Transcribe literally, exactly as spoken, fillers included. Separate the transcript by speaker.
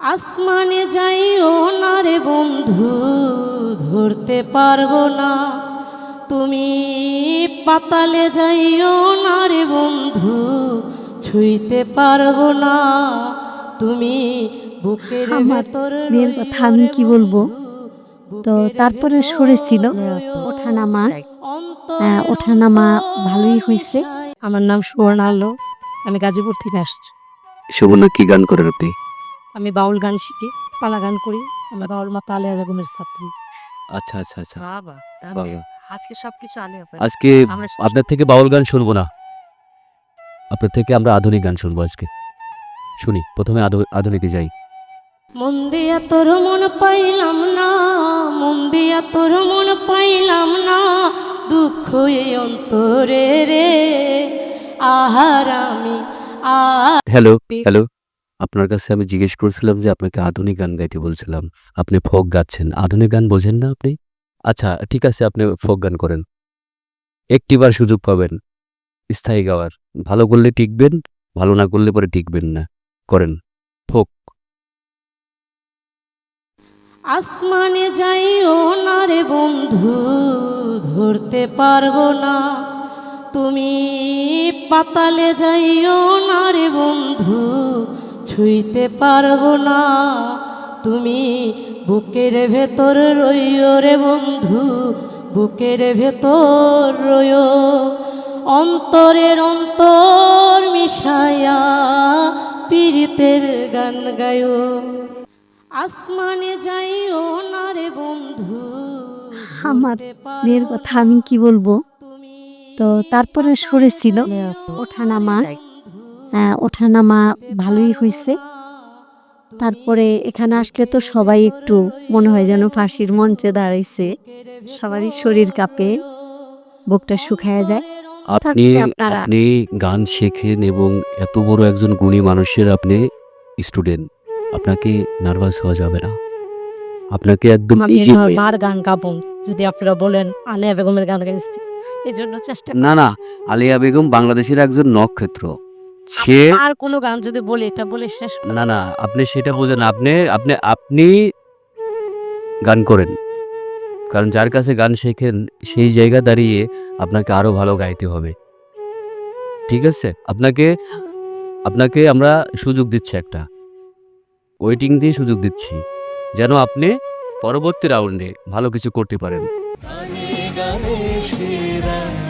Speaker 1: আসমানে যাইও না রে বন্ধু, ধরতে পারবো না। তুমি পাতালে যাইও না রে বন্ধু, ছুঁইতে পারবো না। তুমি বুকের ভেতর
Speaker 2: মেয়ের কথা আমি কি বলবো। তো তারপরে সরে ছিল ওঠানামা, ওঠানামা ভালোই হয়েছে।
Speaker 1: আমার নাম সুবর্ণা আলো, আমি গাজীপুর থেকে আসছি।
Speaker 3: সুবর্ণা, কি গান করেন আপনি?
Speaker 1: আমি বাউল গান শিখি, পালা গান করি। আমি বাউল মাতা আলিয়া বেগমের ছাত্রী।
Speaker 3: আচ্ছা আচ্ছা আচ্ছা
Speaker 4: বাবা, তাহলে
Speaker 3: বাবা।
Speaker 4: আজকে সবকিছু আলিয়া পাই।
Speaker 3: আজকে
Speaker 4: আমরা শুনছি।
Speaker 3: আপনার থেকে বাউল গান শুনবো না, আপনার থেকে আমরা আধুনিক গান শুনবো আজকে। শুনি, প্রথমে আধু- আধুনিকে যাই।
Speaker 1: মন দিয়া তোর মন পাইলাম না, মন দিয়া তোর মন পাইলাম না, দুঃখ এই অন্তরে রে। আহার আমি
Speaker 3: হ্যালো হ্যালো, আপনার কাছে আমি জিজ্ঞেস করছিলাম যে আপনাকে আধুনিক গান গাইতে বলছিলাম, আপনি ফোক গাচ্ছেন। আধুনিক গান বোঝেন না আপনি? আচ্ছা ঠিক আছে, আপনি ফোক গান করেন, একটিবার সুযোগ পাবেন স্থায়ী গাওয়ার। ভালো করলে টিকবেন, ভালো না করলে পরে টিকবেন না। করেন ফোক।
Speaker 1: আসমানে যাইও না রে বন্ধু, ধরতে পারবো না। তুমি পাতালে যাইও না রে বন্ধু, ছুঁইতে পারবো না। তুমি বুকের ভেতর রইও রে বন্ধু, বুকের ভেতর রইও। অন্তরের অন্তর মিশায়া পীড়িতের গান গায়ো। আসমানে যাইও না রে বন্ধু,
Speaker 2: আমার মেয়ের কথা আমি কি বলবো। তো তারপরে সরে ছিল ওঠানামা, ওঠানামা ভালোই হয়েছে। তারপরে এখানে আসলে তো সবাই একটু মনে হয় যেন ফাঁসির মঞ্চে দাঁড়াইছে, সবারই শরীর কাঁপে, বুকটা শুকায় যায়।
Speaker 3: আপনি
Speaker 2: তারপরে আপনারা
Speaker 3: আপনি গান শেখেন এবং এত বড় একজন গুণী মানুষের আপনি স্টুডেন্ট, আপনাকে নার্ভাস হওয়া যাবে না। আপনাকে একদম
Speaker 1: আমি
Speaker 3: easy way-
Speaker 1: বার গান গাবো যদি আপনারা বলেন। আলিয়া বেগমের গান গাইছি, এই জন্য চেষ্টা
Speaker 3: না না, আলিয়া বেগম বাংলাদেশের একজন নক্ষত্র। সে
Speaker 1: আর কোনো গান যদি বলি এটা বলে শেষ করব।
Speaker 3: না না, আপনি সেটা বোঝেন। আপনি আপনি আপনি গান করেন, কারণ যার কাছে গান শেখেন সেই জায়গা দাঁড়িয়ে আপনাকে আরো ভালো গাইতে হবে। ঠিক আছে, আপনাকে আপনাকে আমরা সুযোগ দিচ্ছি, একটা ওয়েটিং দিয়ে সুযোগ দিচ্ছি, যেন আপনি পরবর্তী রাউন্ডে ভালো কিছু করতে পারেন।